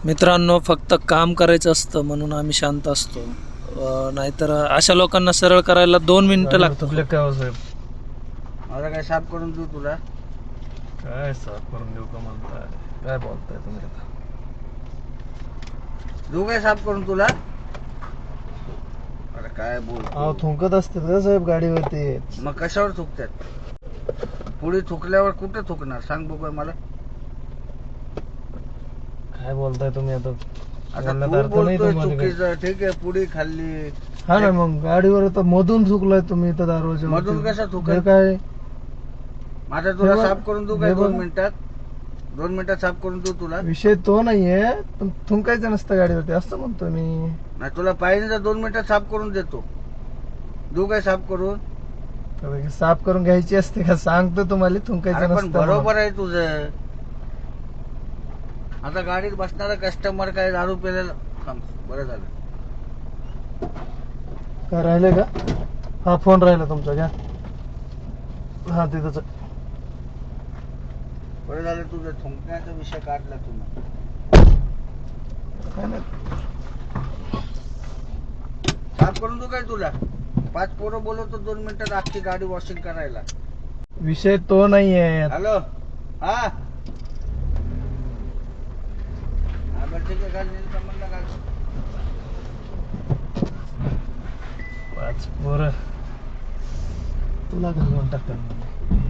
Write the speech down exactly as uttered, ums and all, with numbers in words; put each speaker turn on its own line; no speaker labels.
मित्रांनो, फक्त काम करायचं असतं म्हणून आम्ही शांत असतो. अं, नाहीतर अशा लोकांना सरळ करायला दोन मिनिटं लागतात.
काय हो साहेब,
मला काय साफ करून देऊ तुला?
काय साफ करून देऊ का म्हणताय? काय बोलताय तुम्ही आता?
देऊ काय साफ करून तुला? अरे काय बोल
अहो थुंकत असतात का साहेब गाडीवरती?
मग कशावर थुकतात? पुढे थुकल्यावर कुठे थुकणार सांग बघू मला.
काय बोलताय तुम्ही आता?
आता
बोलण्यात
तू
अर्थ नाही
बोलतोय
तुम्हाला काही.
चुकीचं, ठीक आहे, पुढे खाल्ली.
हा ना, मग गाडीवर आता मधून थुकलाय तुम्ही तर दरवाजा
मधून कसं थुकल?
काय
माझा तुला
हे बघ,
साफ करून देऊ काय?
हे
दोन
बघ.
मिनिटात दोन मिनिटात साफ करून देऊ तुला?
विषय तो नाहीये, पण थुंकायचं नसतं गाडीवरती असं म्हणतो मी.
नाही तुला पाहिजे तर दोन मिनिटात साफ करून देतो. देऊ काय साफ करून?
तर साफ करून घ्यायची असते का? सांगतो तुम्हाला थुंकायचं
अरे पण
नसतं
बरोबर
म्हणून.
आहे तुझं. आता गाडीत बसणारा कस्टमर काय दारू पिलेला? थांब, बरं झालं.
काय राहिले का? हा फोन राहिला तुमचा, घ्या. हा तिथंच.
बरं झालं तुझं थुंकण्याचा विषय काढला तुम्ही.
काय नाही.
साफ करून देऊ काय तुला? पाच पोरं बोलवतो दोन मिनिटात अख्खी गाडी वॉशिंग करायला.
विषय तो नाहीये.
हॅलो, हा हा बरं ठीक आहे, घाल नील कमलला घाल.
पाच पोरं तुला घालून टाकतात.